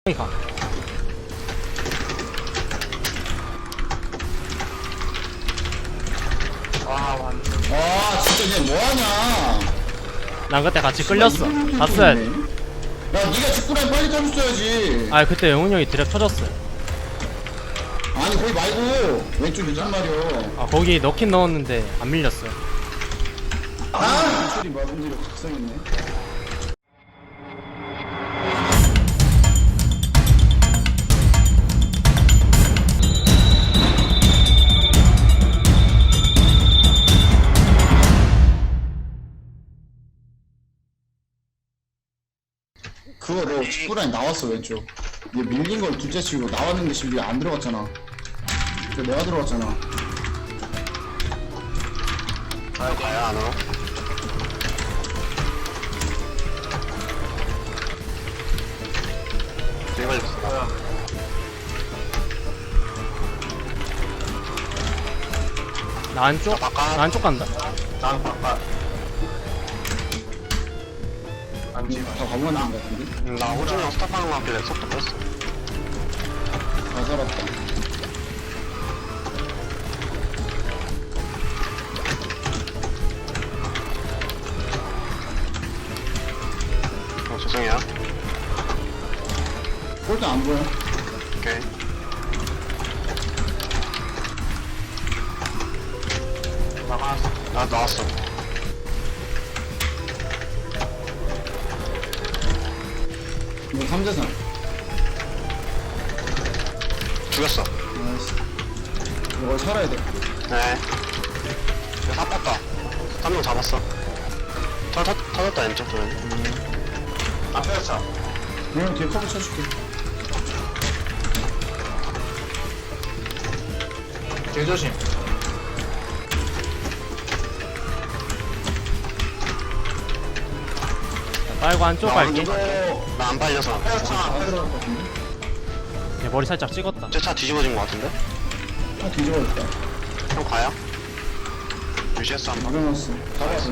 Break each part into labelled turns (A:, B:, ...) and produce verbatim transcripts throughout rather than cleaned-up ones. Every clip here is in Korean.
A: 가.
B: 와 완전
C: 아 진짜 얘 뭐하냐.
A: 난 그때 같이 끌렸어. 갔어야 돼.
C: 야 니가 직구라인 빨리 타줬어야지.
A: 아 그때 영훈이 형이 드랩 터졌어요.
C: 아니 거기 말고 왼쪽 이란 말이야.
A: 아 거기 넣긴 넣었는데 안 밀렸어요.
C: 아 소리 막은 뒤로 각성했네. 그거 너 직구라인 나왔어 왼쪽. 얘 밀린 걸 둘째 치고 나왔는데 지금 안 들어갔잖아. 그 내가 들어갔잖아.
B: 아 가야 안 와? 제발 뭐야
A: 나 안쪽?
B: 바깥.
A: 나 안쪽 간다.
B: 난 바깥 안지
C: 다 가만 있는 거 같은데?
B: 나 호준이랑 스탑하는 거 같길래 속도 뺐어
C: 다 살았다.
B: 어 죄송해요
C: 꼴등 안 보여.
B: 오케이 나갔어 나 나왔어
C: 이거 삼 대 삼.
B: 죽였어
C: 나이스. 이거 살아야 돼.
B: 네 이거 사 뺐다 한 명 잡았어 터, 터, 터졌다 왼쪽 도면 앞에서 차
C: 그냥 뒤에 커브 쳐줄게.
B: 길 조심
A: 빨고 안쪽 갈게.
B: 나 안 빨려서 앞에서 차
C: 다
B: 앞에서
C: 들어갈 것 같은데?
A: 얘 머리 살짝 찍었다.
B: 제 차 뒤집어진 거 같은데?
C: 아 뒤집어졌다.
B: 형 가요? 유지했어 한번
C: 막아놨어. 다 봤어.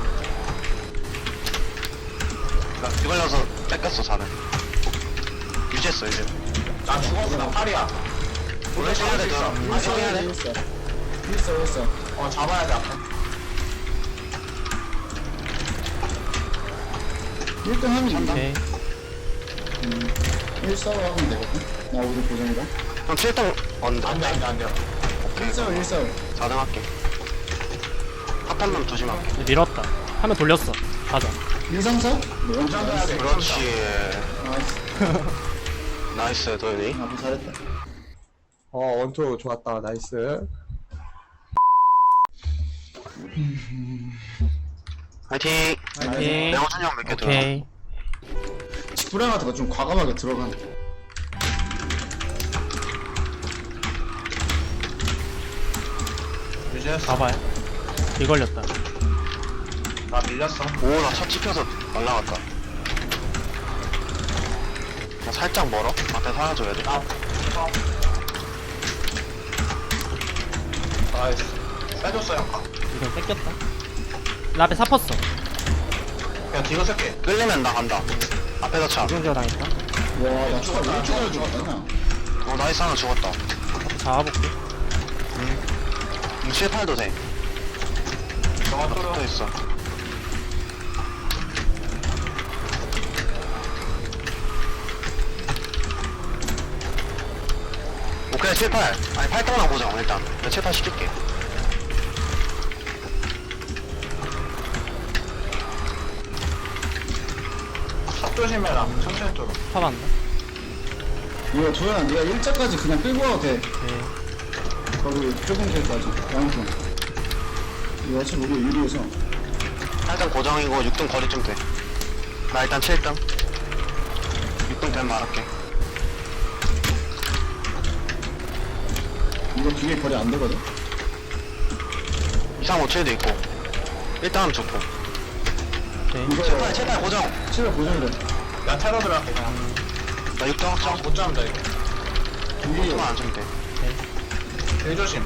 B: 나 뒤걸려서 뺏겼어 사는 유지했어 이제 나 죽었어 나 팔이야 원래 해야 돼 저. 아
C: 일사
B: 해야
C: 해야 돼.
B: 돼?
C: 일사. 일사 일사.
B: 어 잡아야 돼 앞에
C: 일 등 하면 이긴다.
A: 오케이.
C: 일사로 하면 되거든. 나 우리 고정이다.
B: 형 칠 등 언더 안돼 안돼 안돼 오케이
C: 일사로 일사로.
B: 사 등 할게 핫한놈 조심할게
A: 얘 밀었다. 화면 돌렸어. 가자.
C: 일삼사? 네. 나이스.
B: 그렇지
C: 나이스.
B: 나이스 도현이
C: 아 잘했다.
D: 어 원투 좋았다 나이스.
B: 화이팅
A: 화이팅.
B: 내가 호준이 형 몇 개 들어
A: 오케이.
C: 직구랑한테가 좀 과감하게 들어간.
B: 유지했어
A: 가봐요. 이 걸렸다.
B: 나 밀렸어 오나 차 찍혀서 날라갔다 나 살짝 멀어 앞에 사라져야 돼 아, 나이스 빼줬어 형
A: 이건 뺏겼다. 나 앞에 사퍼어.
B: 그냥 뒤로 쓸게 끌리면 나 간다 앞에서 차
A: 이중지어 당했다.
C: 와나 추가 왼쪽으로 죽었다.
B: 어 나이스 하나 죽었다
A: 잡아볼게.
B: 음, 칠, 팔도 돼 저거 붙어있어 오케이 칠, 팔 아니 팔 등만 보자 일단 내가 칠, 팔 시킬게 샷 조심해라 천천히 뚫어
A: 파반다.
C: 이거 도현아 네가 일자까지 그냥 끌고 와도 돼.
A: 오케이.
C: 거기 좁은 길까지. 양쪽. 이거 어차피 우리 유리해서.
B: 팔 등 고정이고 육 등 거리 좀 돼 나 일단 칠 등 육 등 되면 말할게
C: 이거 뒤에 거리 안 되거든.
B: 이, 삼, 오, 칠도 있고 일 등 하면 좋고
A: 오케이.
C: 이거
B: 칠, 팔, 칠, 팔 고정
C: 칠을 고정이래.
B: 나 테러 들어갈게 그냥 나 육 등 확정 못 잡는다 이거
C: 유리.
B: 육등만 안 주면 돼 일 조심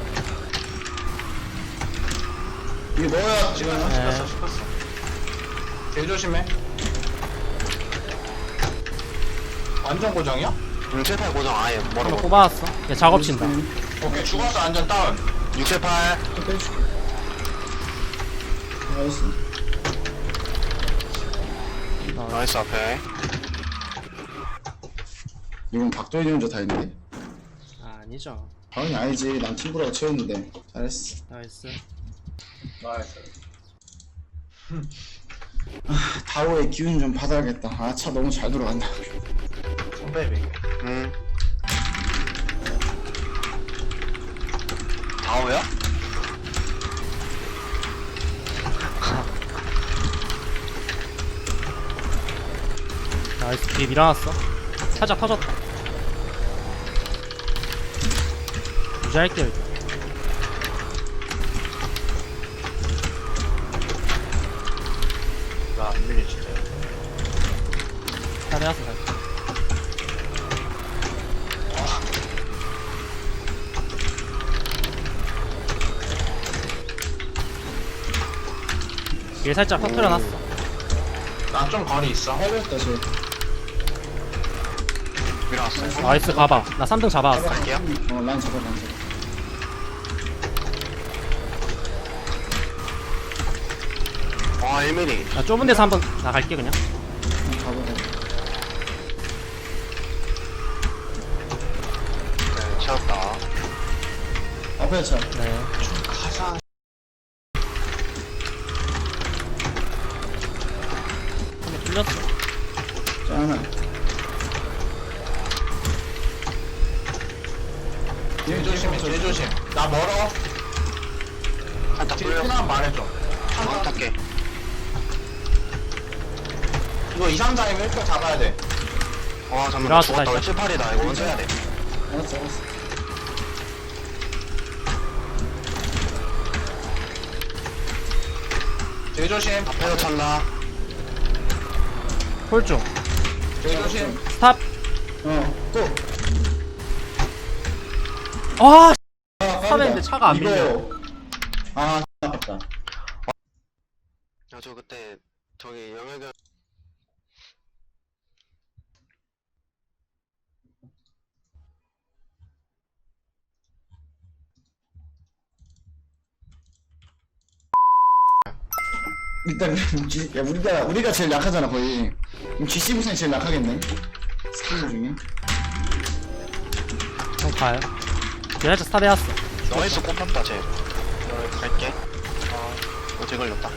C: 이게 넣어야 지금.
A: 네.
B: 씹혔어 씹혔어 일 조심해
E: 완전 고정이야?
B: 육, 칠, 팔 고정 아예
A: 한번
B: 뭐라고
A: 뽑아왔어. 얘 작업 친다.
E: 오케이 죽었어 완전 다운.
B: 육, 칠, 팔
C: 또 빼줄게. 나이스.
B: 나이스 앞에
C: 이건 박도현이 혼자 다 했는데.
A: 아, 아니죠.
C: 당연히 아니지. 난 팀브라가 채웠는데. 잘했어.
A: 나이스.
E: 나이스.
C: 다오의 기운 좀 받아야겠다. 아, 차 너무 잘 돌아간다.
E: 선배비.
B: 음 다오야?
A: 나이스. 뒤에 밀어놨어. 살짝 터졌다. 유지할게요, 이제.
E: 나안 밀리 진짜.
A: 잘해왔어, 잘. 얘 살짝 터트려놨어.
E: 나 좀 거리 있어.
C: 해봤다, 쟤.
B: 밀어왔어요
A: 나이스, 가봐. 나 삼 등 잡아왔어.
B: 갈게요
C: 어, 난 잡아, 난 잡아.
B: 와 일 밀리미터
A: 나 좁은 데서 한번 나갈게, 그냥.
C: 잡아, 잡아.
B: 네 채웠다
C: 앞에 차.
A: 네.
E: 가자.
A: 한번 뚫렸어.
C: 자, 하나.
E: 뒤에 조심해 뒤에 조심. 나 멀어.
B: 살짝
E: 뒤에
B: 뚫려
E: 하나 말해줘.
B: 안 탈게
E: 이거 이, 삼, 사이면 일 등 잡아야 돼.
B: 와 잠깐만
A: 밀어왔어,
B: 죽었다
A: 다시.
B: 왜 칠, 팔이다 이거 먼저 해야 돼
C: 알았어, 알았어.
E: 뒤에 조심.
B: 앞에서 찬다
A: 홀중.
E: 뒤에 조심.
A: 스탑.
C: 어, 또.
A: 아,
C: 아,
A: 스탑했는데 차가 안
C: 이거-
A: 밀려.
C: 아, 아깝다.
B: 야 저 그때 저기 영역을
C: 일단, G, 야, 우리가, 우리가 제일 약하잖아, 거의. 그럼 지씨 부산이 제일 약하겠네? 스킬 중에.
A: 형 가요. 얘 살짝 스탑 해왔어.
B: 나이스 꼽혔다 쟤 갈게 아 어제 걸렸다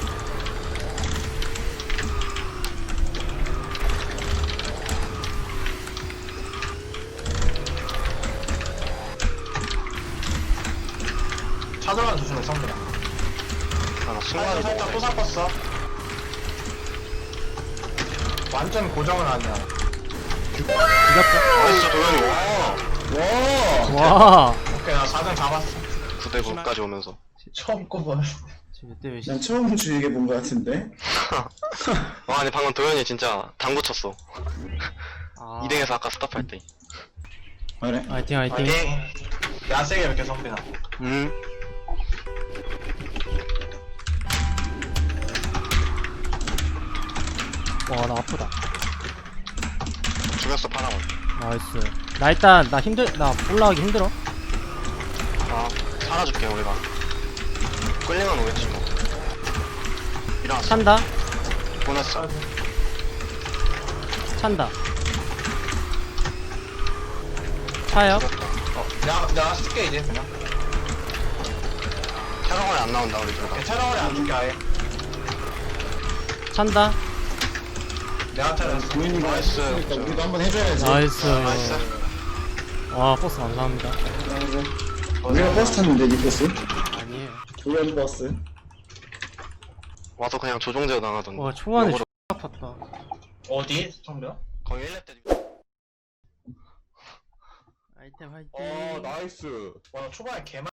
E: 차 들어가는 조심해 성빈아.
B: 아나
E: 살짝
B: 순간이
E: 살짝 또
B: 너무
E: 샀었어. 완전 고정은 아니야.
A: 이겼어.
B: 나이스 도현이 와
C: 와!
A: 와.
E: 오케이 나 사 등 잡았어.
B: 구대 구까지 오면서
E: 처음 꼽아.
A: 지금 이때 왜
C: 난 처음 주의게 본 것 같은데?
B: 와 아니 방금 도현이 진짜 당구 쳤어
A: 아.
B: 이 등에서 아까 스탑할 때
C: 그래?
A: 화이팅, 화이팅.
E: 파이팅. 야세게 이렇게 성빈아.
B: 음.
A: 와, 나 아프다.
B: 죽였어 파랑은
A: 나이스. 나 일단, 나 힘들, 나 올라가기 힘들어.
B: 아 살아줄게 우리가 끌리면 오겠지 뭐 일어났어
A: 찬다.
B: 보냈어
A: 찬다. 차요.
B: 죽였다
E: 어, 내가 내가 쓸게 이제 그냥.
B: 테러건이 안 나온다 우리 둘다
E: 테러원이 안 줄게 아예.
A: 찬다.
E: 내가 테러했어.
C: 보이는 거
B: 나이스.
C: 했으니까 우리도 한번 해줘야지.
A: 나이스.
B: 나이스
A: 와, 버스 감사합니다.
C: 우리가 버스 탔는데, 니 버스?
A: 아니에요.
C: 도현 버스.
B: 와서 그냥 조종제어 당하던데
A: 와, 초반에
B: 역으로
A: X 아팠다.
E: 어디 성빈아?
B: 거의 일 렙 때
A: 아이템 화이팅.
D: 어 나이스.
E: 와 초반에 개만